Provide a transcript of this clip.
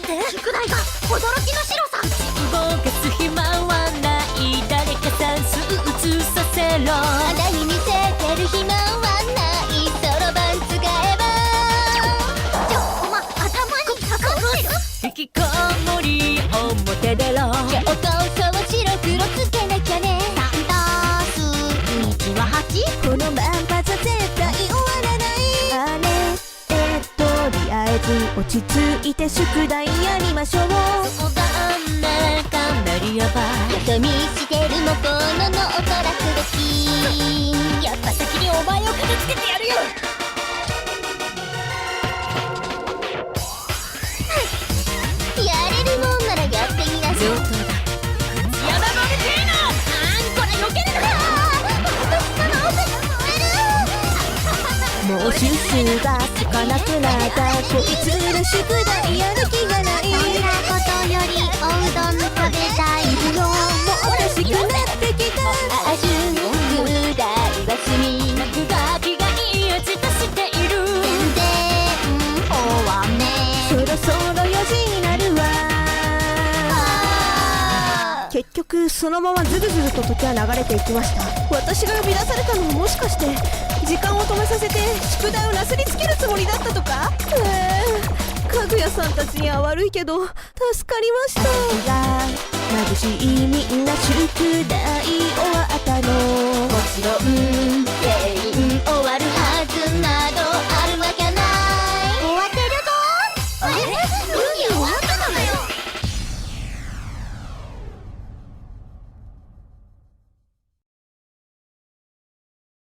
宿題が驚きの白さ。 動かす暇はない、誰か算数移させろ。 あなたに見せてる暇はない、そろばん使えば。お前頭にかかってる。 引きこもり表出ろ。 教科書を白黒つけなきゃね。3たす1は8。 このまんまじゃ絶対終わらない。あれとりあえず落ち着いて宿題やりましょう。 そうだね、かなりやばい。 よそ見してるもこののおとらすべき。 やっぱ先にお前を片付けてやるよ。 やれるもんならやってみなさい。 上等だ。山の出てえの。 こら避けるのか。私から汗がもう収集がつかなくなった。こいつら宿題やる気がない。 そんなことよりおうどん食べたいの。 もうおかしくなってきた。 あ宿題は済み。 落書きがいい味出している。 全然終わんねそろそろ4時になるわ。結局そのままずるずると時は流れていきました。私が呼び出されたのももしかして時間を止めさせて宿題をなすりつけるつもりだったとか。かぐやさんたちには悪いけど助かりました。が眩しいみんな宿題終わったの。 もちろん